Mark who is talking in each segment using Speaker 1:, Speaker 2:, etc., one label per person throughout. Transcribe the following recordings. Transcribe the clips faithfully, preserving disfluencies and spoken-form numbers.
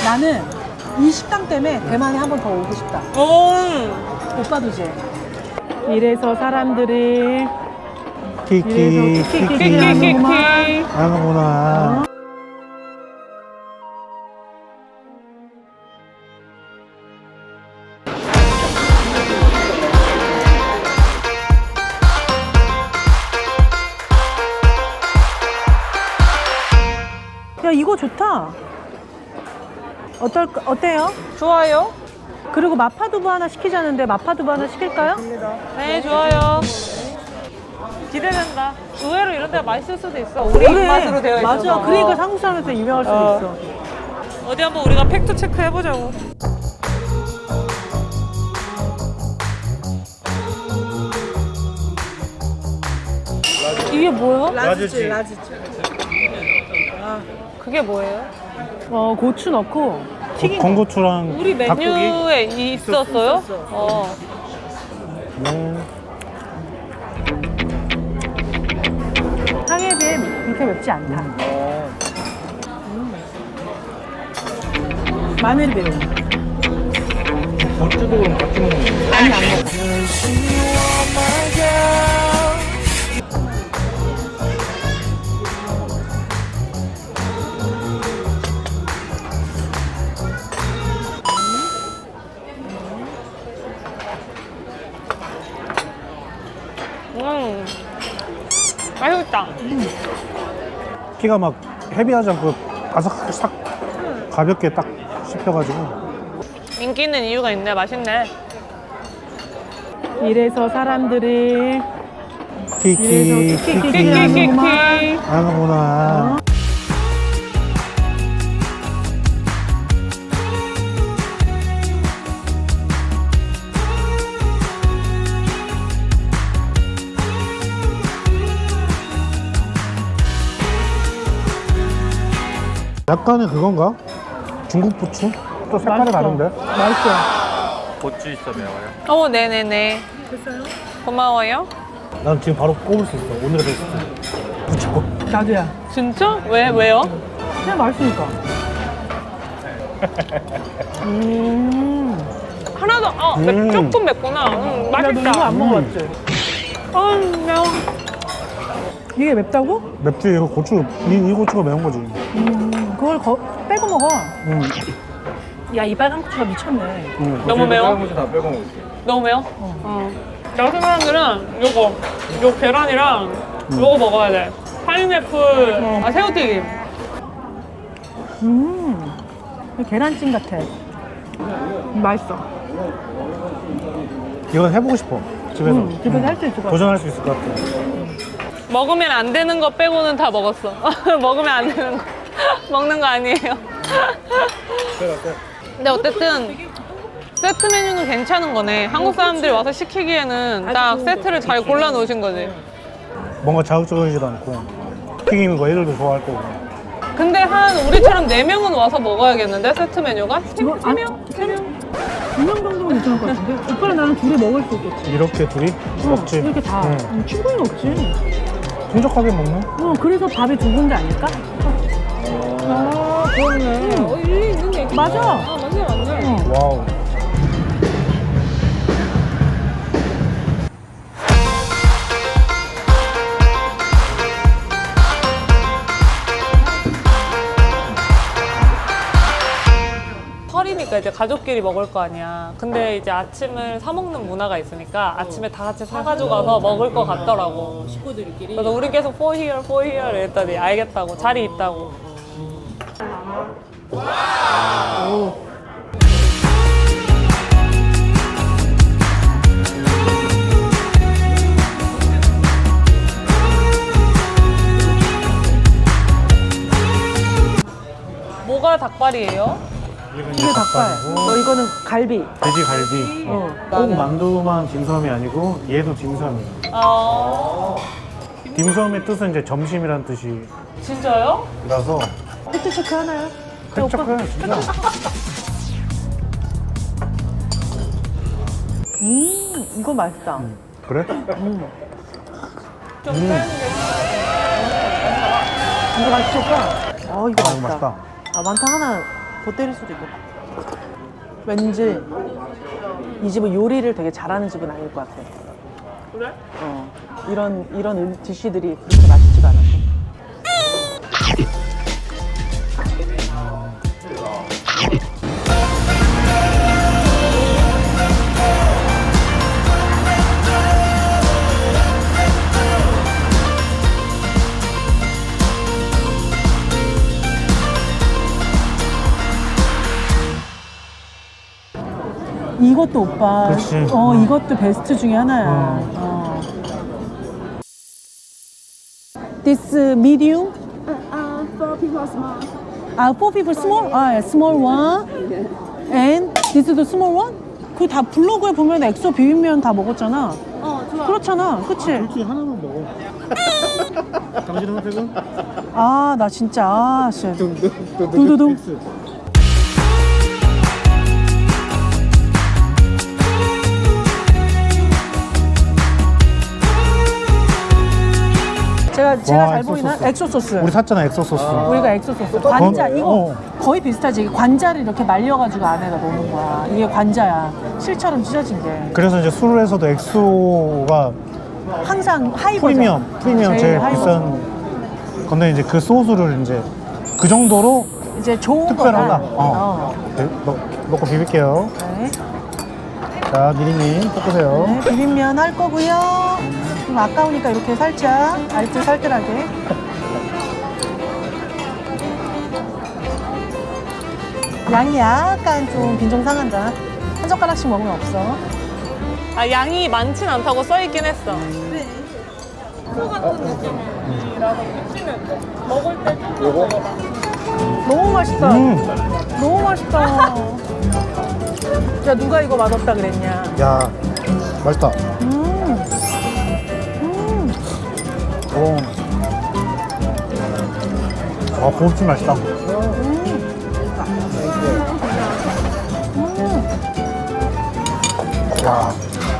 Speaker 1: 나는 이 식당 때문에 대만에 한 번 더 오고 싶다.
Speaker 2: 오.
Speaker 1: 오빠도지. 이래서 사람들이
Speaker 3: 키키
Speaker 1: 이래서 키키
Speaker 3: 키키
Speaker 1: 키키
Speaker 2: 키키키키.
Speaker 3: 하는구나.
Speaker 1: 야, 이거 좋다. 어떨 어때요?
Speaker 2: 좋아요.
Speaker 1: 그리고 마파두부 하나 시키자는데 마파두부 하나 시킬까요?
Speaker 2: 네, 좋아요. 기대된다. 의외로 이런 데가 맛있을 수도 있어. 우리
Speaker 1: 그래.
Speaker 2: 입맛으로 되어 있어서.
Speaker 1: 맞아. 그러니까 한국 사람한테 유명할 수도
Speaker 2: 어.
Speaker 1: 있어.
Speaker 2: 어디 한번 우리가 팩트 체크 해보자고. 이게 뭐야?
Speaker 3: 라지지.
Speaker 2: 그게 뭐예요?
Speaker 1: 어, 고추 넣고 튀긴 거.
Speaker 3: 건고추랑
Speaker 2: 우리
Speaker 3: 닭고기.
Speaker 2: 메뉴에 있었어요?
Speaker 1: 있었어.
Speaker 2: 어.
Speaker 3: 네.
Speaker 1: 향에 비해 그렇게 맵지 않다. 음. 마늘이 매워.
Speaker 3: 어찌도 그럼 같이 먹는 거야.
Speaker 1: 아니, 안 먹어.
Speaker 2: 음. 맛있다.
Speaker 3: 키가 막 헤비하지 않고 바삭 싹 가볍게 딱 씹혀가지고.
Speaker 2: 인기 있는 이유가 있네. 맛있네.
Speaker 1: 이래서 사람들이
Speaker 3: 키키
Speaker 1: 이래서 키키
Speaker 3: 키키
Speaker 2: 키키키키.
Speaker 3: 하는구나. 약간의 그건가? 중국 부추? 또 색깔이
Speaker 1: 맛있어.
Speaker 3: 다른데?
Speaker 1: 맛있어.
Speaker 4: 고추 있어 매워요?
Speaker 2: 어, 네네네.
Speaker 1: 됐어요?
Speaker 2: 고마워요.
Speaker 3: 난 지금 바로 꼽을 수 있어. 오늘의 베스트. 부추.
Speaker 1: 나도야.
Speaker 2: 진짜? 왜? 왜요?
Speaker 1: 그냥 맛있으니까. 음.
Speaker 2: 하나도, 어, 맵-
Speaker 3: 음.
Speaker 2: 조금 맵구나. 음,
Speaker 1: 야, 너 이거
Speaker 2: 맛있다.
Speaker 1: 안 먹어봤지?
Speaker 2: 아, 매워.
Speaker 1: 이게 맵다고?
Speaker 3: 맵지? 이거 고추, 이, 이 고추가 매운 거지.
Speaker 1: 음, 그걸 거, 빼고 먹어.
Speaker 3: 응.
Speaker 1: 야, 이 빨간 고추가 미쳤네.
Speaker 3: 응.
Speaker 2: 너무 매워?
Speaker 4: 고추 다 빼고 먹을게요.
Speaker 2: 너무 매워? 어. 여기 사람들은 요거, 요 계란이랑 요거 먹어야 돼. 파인애플, 아, 새우튀김.
Speaker 1: 음, 계란찜 같아. 음, 맛있어.
Speaker 3: 이건 해보고 싶어. 집에서.
Speaker 1: 음, 집에서 할 수 있을 것 같아.
Speaker 3: 도전할 수 있을 것 같아.
Speaker 2: 먹으면 안 되는 거 빼고는 다 먹었어. 먹으면 안 되는 거. 먹는 거 아니에요. 근데 어쨌든 세트 메뉴는 괜찮은 거네. 한국 사람들이 와서 시키기에는 딱 세트를 잘 골라 놓으신 거지.
Speaker 3: 뭔가 자극적이지도 않고. 튀김인 거 애들도 좋아할 거고.
Speaker 2: 근데 한 우리처럼 네 명은 와서 먹어야겠는데 세트 메뉴가?
Speaker 1: 이거 안, 세 명? 두 명 정도면 괜찮을 것 같은데? 오빠랑 나는 둘이 먹을 수 있겠지.
Speaker 3: 이렇게 둘이 먹지.
Speaker 1: 이렇게 다.
Speaker 3: 응.
Speaker 1: 음, 충분히 먹지.
Speaker 3: 풍족하게 먹네.
Speaker 1: 어, 그래서 밥이 두 군데 아닐까?
Speaker 2: 아, 그러네. 어, 일리 있는 얘기.
Speaker 1: 맞아.
Speaker 2: 아, 맞네, 맞네.
Speaker 1: 어.
Speaker 3: 와우.
Speaker 2: 설이니까 이제 가족끼리 먹을 거 아니야. 근데 이제 아침을 사 먹는 문화가 있으니까 아침에 다 같이 사가지고 가서 먹을 것 같더라고.
Speaker 1: 식구들끼리.
Speaker 2: 그래서 우리 계속 for here, for here 이랬더니 알겠다고. 자리 있다고. 뭐가 닭발이에요?
Speaker 1: 이게 닭발. 너 이거는 갈비.
Speaker 3: 돼지 갈비.
Speaker 1: 어.
Speaker 3: 꼭 만두만 딤섬이 아니고 얘도 딤섬이야.
Speaker 2: 아,
Speaker 3: 딤섬의 뜻은 이제 점심이란 뜻이라서
Speaker 2: 진짜요?
Speaker 1: 팩트 체크 하나요?
Speaker 3: 쾌적해 진짜.
Speaker 1: 음, 이거 맛있다.
Speaker 3: 그래?
Speaker 2: 좀
Speaker 3: 음.
Speaker 2: 빼는 게.
Speaker 1: 이거 맛있을까? 어, 이거
Speaker 3: 아,
Speaker 1: 맛있다.
Speaker 3: 맛있다.
Speaker 1: 아, 만타 하나 더 때릴 수도 있고. 왠지 이 집은 요리를 되게 잘하는 집은 아닐 것 같아.
Speaker 2: 그래?
Speaker 1: 어, 이런 이런 음, 디쉬들이 그렇게 맛있지가 않아서. 이것도 오빠.
Speaker 3: 그치.
Speaker 1: 어,
Speaker 3: 음.
Speaker 1: 이것도 베스트 중에 하나야.
Speaker 3: 음.
Speaker 1: 어. This medium?
Speaker 5: Uh, for people small.
Speaker 1: 아, four people small? 아, small one. And this is the small one? 그 다 블로그에 보면 엑소 비빔면 다 먹었잖아.
Speaker 5: 어, 좋아.
Speaker 1: 그렇잖아. 그치?
Speaker 3: 솔직히 하나만 먹어. 당신의 선택은?
Speaker 1: 아, 나 진짜. 아, 씨. 두두둥. 제가, 제가
Speaker 3: 와,
Speaker 1: 잘
Speaker 3: 엑소
Speaker 1: 보이나?
Speaker 3: 소스.
Speaker 1: 엑소 소스.
Speaker 3: 우리 샀잖아, 엑소 소스.
Speaker 1: 우리가 엑소 소스. 관자,
Speaker 3: 건-
Speaker 1: 이거
Speaker 3: 어.
Speaker 1: 거의 비슷하지. 관자를 이렇게 말려가지고 안에다 넣는 거야. 이게 관자야. 실처럼 찢어진 게.
Speaker 3: 그래서 이제 술에서도 엑소가
Speaker 1: 항상 하이
Speaker 3: 프리미엄,
Speaker 1: 버전.
Speaker 3: 프리미엄 제일,
Speaker 1: 하이
Speaker 3: 비싼
Speaker 1: 버전.
Speaker 3: 건데 이제 그 소스를 이제 그 정도로
Speaker 1: 이제 좋은
Speaker 3: 특별하다.
Speaker 1: 거다.
Speaker 3: 어. 네, 넣, 넣고 비빌게요.
Speaker 1: 네.
Speaker 3: 자, 미리님 볶으세요.
Speaker 1: 네, 비빔면 할 거고요. 좀 아까우니까 이렇게 살짝 알뜰살뜰하게. 양이 약간 좀 빈정상한다. 한 젓가락씩 먹으면 없어.
Speaker 2: 아, 양이 많진 않다고 써있긴 했어. 소 같은 느낌이라서 느끼는 거. 먹을 때 조금 먹어봐.
Speaker 1: 너무 맛있다.
Speaker 3: 음,
Speaker 1: 너무 맛있다. 야, 누가 이거 맛없다 그랬냐?
Speaker 3: 야, 맛있다.
Speaker 1: 음. 음.
Speaker 3: 오. 아, 고급진 맛있다. 야.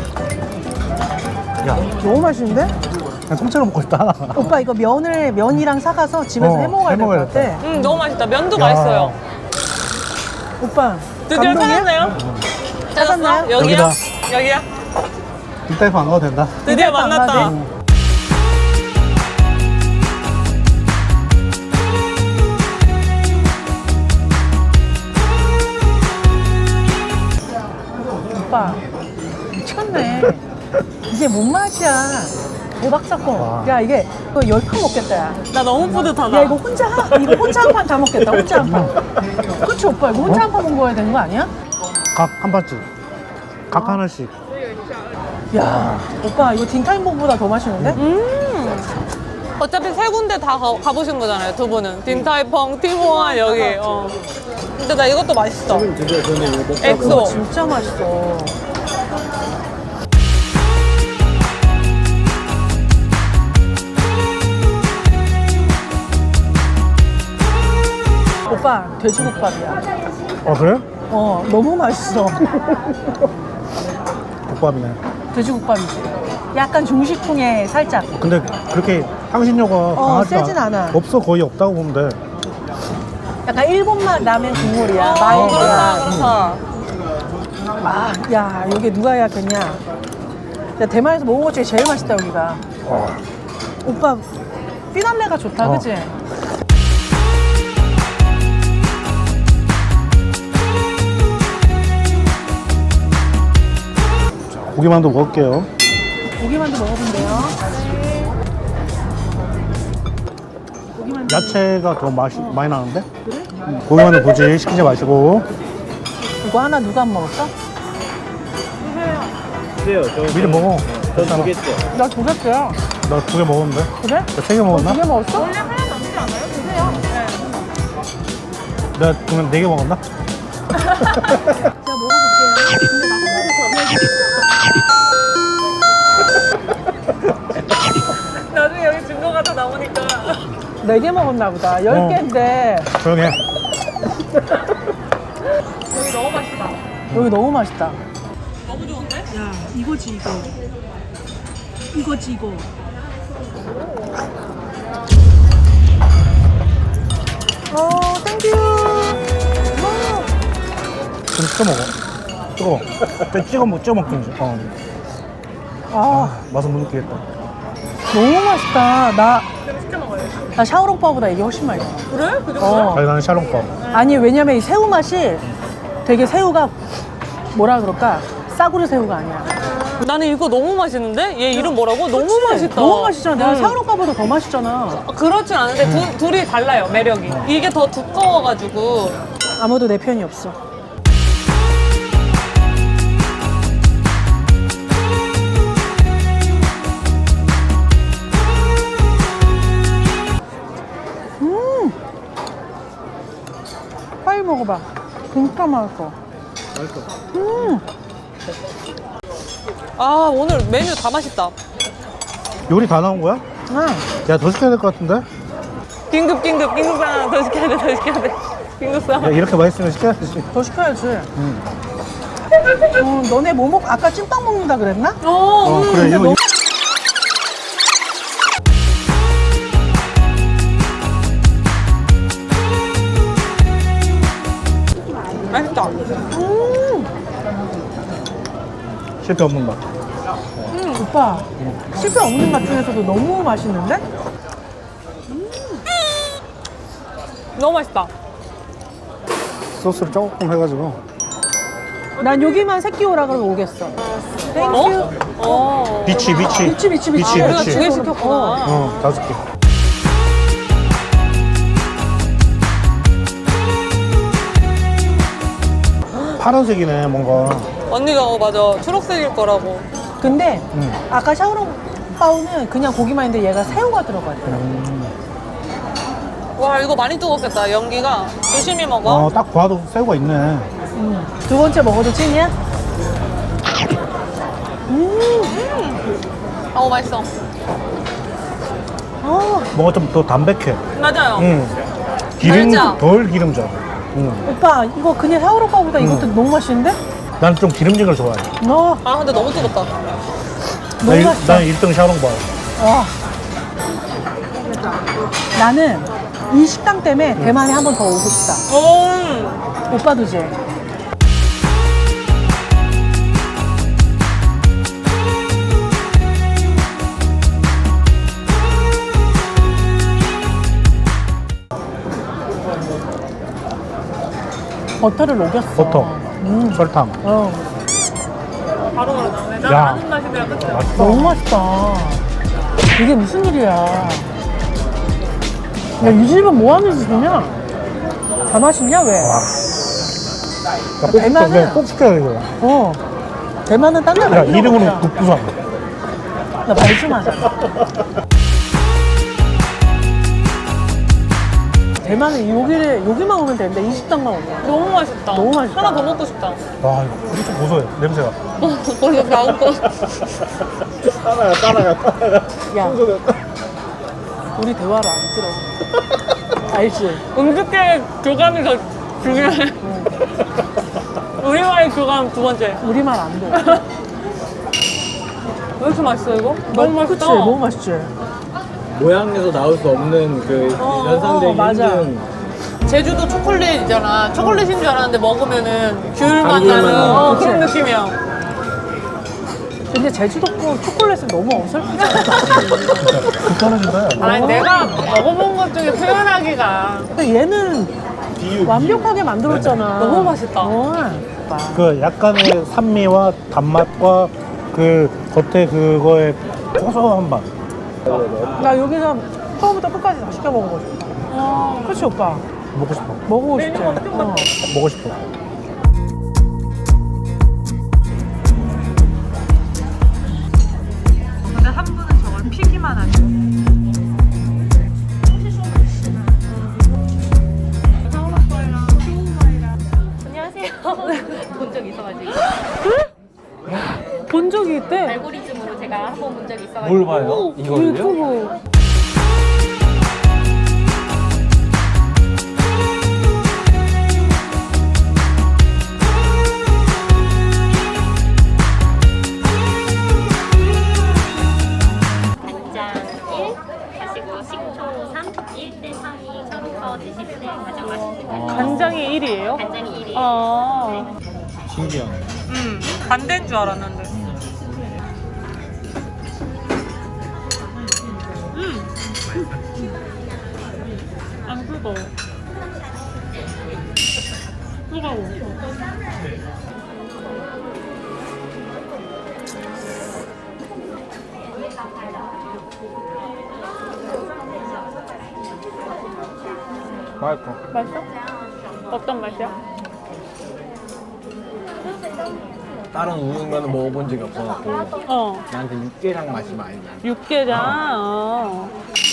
Speaker 3: 야,
Speaker 1: 너무 맛있는데?
Speaker 3: 그냥 통째로 먹고 싶다.
Speaker 1: 오빠 이거 면을 면이랑 사가서 집에서
Speaker 3: 어,
Speaker 1: 해 먹어야 될 것
Speaker 3: 해먹어야겠다.
Speaker 1: 같아.
Speaker 2: 음, 너무 맛있다. 면도
Speaker 3: 야.
Speaker 2: 맛있어요.
Speaker 1: 오빠
Speaker 2: 드디어
Speaker 1: 감동이야?
Speaker 2: 찾았나요?
Speaker 1: 찾았나요?
Speaker 2: 여기야?
Speaker 3: 여기다.
Speaker 2: 여기야?
Speaker 3: 뒷다이프 안 가도 된다.
Speaker 2: 드디어
Speaker 1: 뒷다이프 안
Speaker 2: 만났다.
Speaker 1: 가도 오빠 미쳤네. 이게 뭔 맛이야? 대박 사건.
Speaker 3: 와.
Speaker 1: 야 이게 이거 열 판 먹겠다 야.
Speaker 2: 나 너무 뿌듯하다.
Speaker 1: 야 이거 혼자 한 이거 혼자 한 판 다 먹겠다. 혼자 한 판. 그치 오빠 이거 혼자 한 판 먹어야 되는 거 아니야?
Speaker 3: 각 한 바지. 각 하나씩.
Speaker 1: 야 오빠 이거 딘타임봉보다 더 맛있는데?
Speaker 2: 음. 어차피 세 군데 다 가, 가보신 거잖아요, 두 분은. 딘타이펑, 티모아, 여기. 어. 근데 나 이것도 맛있어. 엑소.
Speaker 1: 이거 진짜 맛있어. 오빠 돼지국밥이야.
Speaker 3: 어, 그래?
Speaker 1: 어 너무 맛있어.
Speaker 3: 국밥이네.
Speaker 1: 돼지국밥이지. 약간 중식풍에 살짝.
Speaker 3: 근데 그렇게 향신료가 강하지
Speaker 1: 세진 않아.
Speaker 3: 없어, 거의 없다고 보면 돼.
Speaker 1: 약간 일본맛 라면 국물이야.
Speaker 2: 어,
Speaker 1: 마요야.
Speaker 2: 그렇다, 그렇다.
Speaker 1: 아, 야 여기 누가 예약했냐? 야, 대만에서 먹은 것 중에 제일 맛있다 여기가.
Speaker 3: 어.
Speaker 1: 오빠 피날레가 좋다,
Speaker 3: 어.
Speaker 1: 그치?
Speaker 3: 고기만두 먹을게요.
Speaker 1: 고기만두 먹어본대요. 고기만두.
Speaker 3: 야채가 더 맛이 많이 나는데? 응. 고기만두 굳이 시키지 마시고.
Speaker 1: 이거 하나 누가 안 먹었어?
Speaker 3: 미리 먹어. 괜찮아.
Speaker 1: 나 두 개째야.
Speaker 3: 나 두 개 먹었는데?
Speaker 1: 그래?
Speaker 3: 나 세 개 먹었나?
Speaker 1: 두 개 먹었어?
Speaker 2: 원래 하나 남지 않아요? 드세요. 네.
Speaker 3: 내가 그러면 네 개 먹었나?
Speaker 1: 제가 먹어볼게요. 근데 나 한 가지 더 먹어볼게요.
Speaker 2: 나중에 여기 증거가 다 나오니까.
Speaker 1: 네 개 먹었나 보다. 열
Speaker 3: 어.
Speaker 1: 개인데
Speaker 3: 조용히 해.
Speaker 2: 여기 너무 맛있다.
Speaker 1: 여기 너무 맛있다.
Speaker 2: 너무 좋은데?
Speaker 1: 야, 이거지 이거. 이거지 이거. 어, 땡큐.
Speaker 3: 찍어 먹어. 뜨거워. 좀 찍어 먹, 찍어 먹든지. 어.
Speaker 1: 아,
Speaker 3: 맛은 못 느끼겠다.
Speaker 1: 너무 맛있다. 나, 나 샤오롱바보다 이게 훨씬 맛있어.
Speaker 2: 그래? 그 정도?
Speaker 1: 어.
Speaker 3: 아니, 나는 샤롱밥.
Speaker 1: 아니, 왜냐면 이 새우 맛이 되게 새우가 뭐라 그럴까? 싸구려 새우가 아니야.
Speaker 2: 나는 이거 너무 맛있는데? 얘 이름 뭐라고? 너무 맛있다.
Speaker 1: 너무 맛있잖아. 내가
Speaker 2: 응.
Speaker 1: 샤오롱바보다 더 맛있잖아.
Speaker 2: 그렇진 않은데 두, 둘이 달라요, 매력이. 이게 더 두꺼워가지고.
Speaker 1: 아무도 내 편이 없어. 음, 빨리 먹어봐. 진짜 맛있어. 음,
Speaker 2: 아, 오늘 메뉴 다 맛있다.
Speaker 3: 요리 다 나온 거야?
Speaker 1: 아,
Speaker 3: 야, 더 시켜야 될 것 같은데?
Speaker 2: 긴급, 긴급, 긴급 하나 더 시켜야 돼, 더 시켜야 돼. 긴급
Speaker 3: 야,
Speaker 2: 싸움.
Speaker 3: 이렇게 맛있으면 시켜야지.
Speaker 1: 더 시켜야지. 어, 너네 뭐 먹? 아까 찐빵 먹는다 그랬나?
Speaker 2: 어,
Speaker 3: 어,
Speaker 2: 음,
Speaker 3: 그래. 이거,
Speaker 2: 너무 맛있다.
Speaker 1: 음,
Speaker 3: 실패 없는 맛.
Speaker 1: 오빠 실패 없는 맛 중에서도 너무 맛있는데?
Speaker 2: 너무 맛있다.
Speaker 3: 소스를 조금 해가지고.
Speaker 1: 난 여기만 새끼 오라 그러면 오겠어. 땡큐.
Speaker 2: 어.
Speaker 3: 비치, 비치.
Speaker 1: 미치 미치 미치.
Speaker 3: 비치,
Speaker 2: 우리가
Speaker 3: 비치.
Speaker 2: 두 개 시켰구나.
Speaker 3: 어, 다섯 개. 파란색이네, 뭔가.
Speaker 2: 언니가 어, 맞아. 초록색일 거라고.
Speaker 1: 근데
Speaker 3: 음.
Speaker 1: 아까 샤오롱바오는 그냥 고기만 있는데 얘가 새우가 들어가 있더라.
Speaker 2: 와, 이거 많이 뜨겁겠다. 연기가. 조심히 먹어.
Speaker 3: 어, 딱 봐도 새우가 있네.
Speaker 1: 음. 두 번째 먹어도 찐이야?
Speaker 2: 어, 맛있어.
Speaker 1: 어,
Speaker 3: 뭔가 좀 더 담백해.
Speaker 2: 맞아요.
Speaker 3: 응. 기름,
Speaker 2: 달자.
Speaker 3: 덜 기름져. 응.
Speaker 1: 오빠 이거 그냥 샤오롱바오보다 이것도 너무 맛있는데?
Speaker 3: 난 좀 기름진 걸 좋아해.
Speaker 1: 너
Speaker 2: 아, 근데 너무 뜨겁다.
Speaker 1: 너무
Speaker 3: 나
Speaker 1: 맛있어.
Speaker 3: 난 일 등 샤롱바.
Speaker 1: 와. 나는 이 식당 때문에 대만에 한 번 더 오고 싶다.
Speaker 2: 음.
Speaker 1: 오빠도지? 버터를 녹였어.
Speaker 3: 버터,
Speaker 1: 음.
Speaker 3: 설탕.
Speaker 1: 어.
Speaker 2: 바로 그러네. 난
Speaker 3: 야.
Speaker 2: 아는 맛이면 끝이야.
Speaker 3: 맛있다.
Speaker 1: 너무 맛있다. 이게 무슨 일이야. 야, 이 집은 뭐 하는 집이냐? 다 맛있냐, 왜?
Speaker 3: 야, 꼭,
Speaker 1: 대만은-
Speaker 3: 시켜, 꼭 시켜야 돼, 이거.
Speaker 1: 어. 대만은 딴 데가
Speaker 3: 야, 이름으로 국부산.
Speaker 1: 나 말씀하잖아. 대만은 여기를, 여기만 오면 되는데 이 식당만 오면.
Speaker 2: 너무 맛있다.
Speaker 1: 너무 맛있다.
Speaker 2: 하나 더 먹고 싶다.
Speaker 3: 와, 이거 엄청 고소해, 냄새가.
Speaker 2: 벌써 나온 거.
Speaker 3: 따라가, 따라가, 따라가.
Speaker 1: 야, 우리 대화를 안 들어. 알지?
Speaker 2: 음식계 교감이 더 중요해. 우리와의 교감 두 번째.
Speaker 1: 우리 말 안 돼.
Speaker 2: 왜 이렇게 맛있어, 이거? 너무 맛있다.
Speaker 1: 그치? 너무 맛있지?
Speaker 4: 모양에서 나올 수 없는 그
Speaker 1: 어,
Speaker 4: 연상되기
Speaker 1: 어, 맞아.
Speaker 4: 힘든
Speaker 2: 제주도 초콜릿 있잖아. 초콜릿인 줄 알았는데 먹으면은 귤 맛
Speaker 4: 감귤
Speaker 2: 나는
Speaker 4: 맛.
Speaker 2: 어,
Speaker 1: 그치?
Speaker 2: 그런 느낌이야.
Speaker 1: 근데 제주도 거 초콜릿은 너무 어설프잖아.
Speaker 3: 불편해진다, 야.
Speaker 2: 아니, 내가 먹어본 것 중에 표현하기가.
Speaker 1: 근데 얘는 완벽하게 만들었잖아.
Speaker 2: 너무 맛있다.
Speaker 1: 어.
Speaker 3: 그 약간의 산미와 단맛과 그 겉에 그거의 고소한 맛.
Speaker 1: 나 여기서 처음부터 끝까지 다 시켜 먹어보고 싶다.
Speaker 2: 어.
Speaker 1: 그치, 오빠?
Speaker 3: 먹고 싶어.
Speaker 1: 먹어보고 싶지?
Speaker 2: 메뉴가 엄청
Speaker 1: 어.
Speaker 3: 먹고 싶어.
Speaker 1: 근데 한 분은 저걸 피기만 하죠.
Speaker 6: 안녕하세요. 본 적 있어가지고
Speaker 1: 본 적이 있대?
Speaker 6: 알고리즘으로 제가 한 번 본 적이 있어가지고
Speaker 4: 뭘 봐요? 이거를요?
Speaker 1: 유튜브.
Speaker 6: 간장 일 하시고 식초 삼, 일 대 삼이 셔서 드실 때 가장 맛있는 거예요.
Speaker 2: 간장이 일이에요?
Speaker 6: 간장이 일이에요.
Speaker 2: 아.
Speaker 4: 신기하네.
Speaker 2: 음, 반대인 줄 알았는데. 음. 안 뜨거워. 뜨거워.
Speaker 4: 맛있어.
Speaker 2: 맛있어? 어떤 맛이야?
Speaker 4: 다른 우육면은 먹어본 적이 없어갖고
Speaker 2: 어.
Speaker 4: 나한테 육개장 맛이 많이 나.
Speaker 2: 육개장. 어.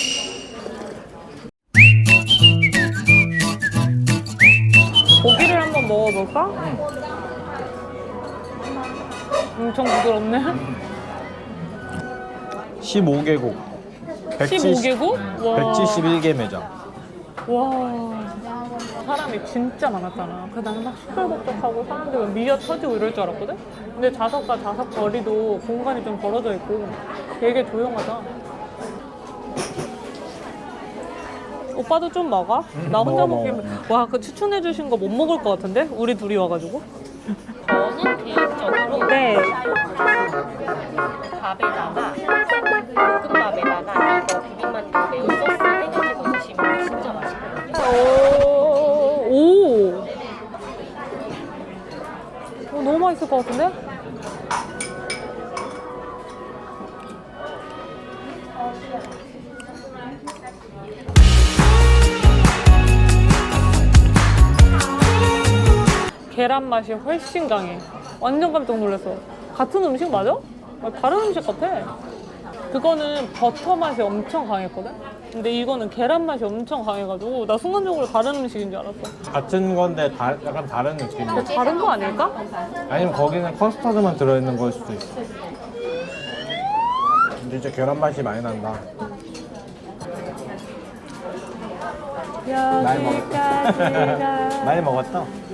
Speaker 2: 고기를 한번 먹어볼까? 엄청 부드럽네.
Speaker 4: 십오 개국.
Speaker 2: 십오 개국? 와.
Speaker 4: 백칠십일 개 매장.
Speaker 2: 와. 사람이 진짜 많았잖아. 그래서 나는 막 시끌벅적하고 사람들 막 미어 터지고 이럴 줄 알았거든? 근데 좌석과 좌석 거리도 공간이 좀 벌어져 있고 되게 조용하다. 오빠도 좀 먹어? 나 혼자
Speaker 4: 먹어,
Speaker 2: 먹기면 와, 그 추천해 주신 거 못 먹을 것 같은데? 우리 둘이 와가지고.
Speaker 6: 저는 개인적으로
Speaker 2: 네.
Speaker 6: 밥에다가 볶음밥에다가 이거 비빔만두 매운 소스 해가지고 드시면 진짜 맛있거든요.
Speaker 2: 오, 오. 어, 너무 맛있을 것 같은데? 계란 맛이 훨씬 강해. 완전 깜짝 놀랐어. 같은 음식 맞아? 아, 다른 음식 같아. 그거는 버터 맛이 엄청 강했거든? 근데 이거는 계란 맛이 엄청 강해가지고 나 순간적으로 다른 음식인 줄 알았어.
Speaker 4: 같은 건데 다, 약간 다른 느낌이야.
Speaker 2: 근데 다른 거 아닐까?
Speaker 4: 아니면 거기는 커스터드만 들어있는 걸 수도 있어. 진짜 계란 맛이 많이 난다. 많이 먹었다.
Speaker 2: 여기까지가
Speaker 4: 많이 먹었다.